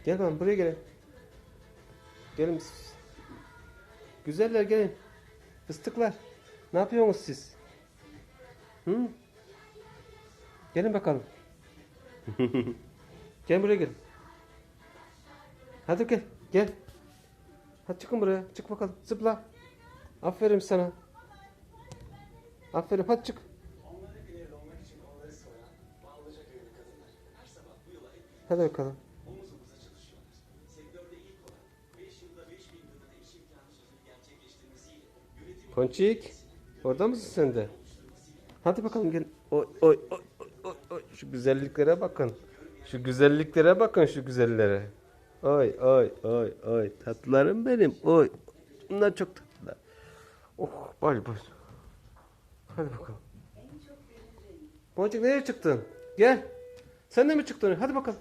Gel bakalım buraya gelin. Gelin. Güzeller gelin. Fıstıklar. Ne yapıyorsunuz siz? Hı? Gelin bakalım. Gel buraya gelin. Hadi gel. Gel. Hadi çıkın buraya. Çık bakalım. Zıpla. Aferin sana. Aferin. Hadi çık. Hadi bakalım. Ponçik. Orada mısın sen de? Hadi bakalım gel. Oy oy oy oy oy oy. Şu güzelliklere bakın. Şu güzelliklere bakın şu güzellere. Oy oy oy oy. Tatlılarım benim. Oy. Bunlar çok tatlılar. Oh boş boş. Hadi bakalım. Boncuk nereye çıktın? Gel. Sen de mi çıktın? Hadi bakalım.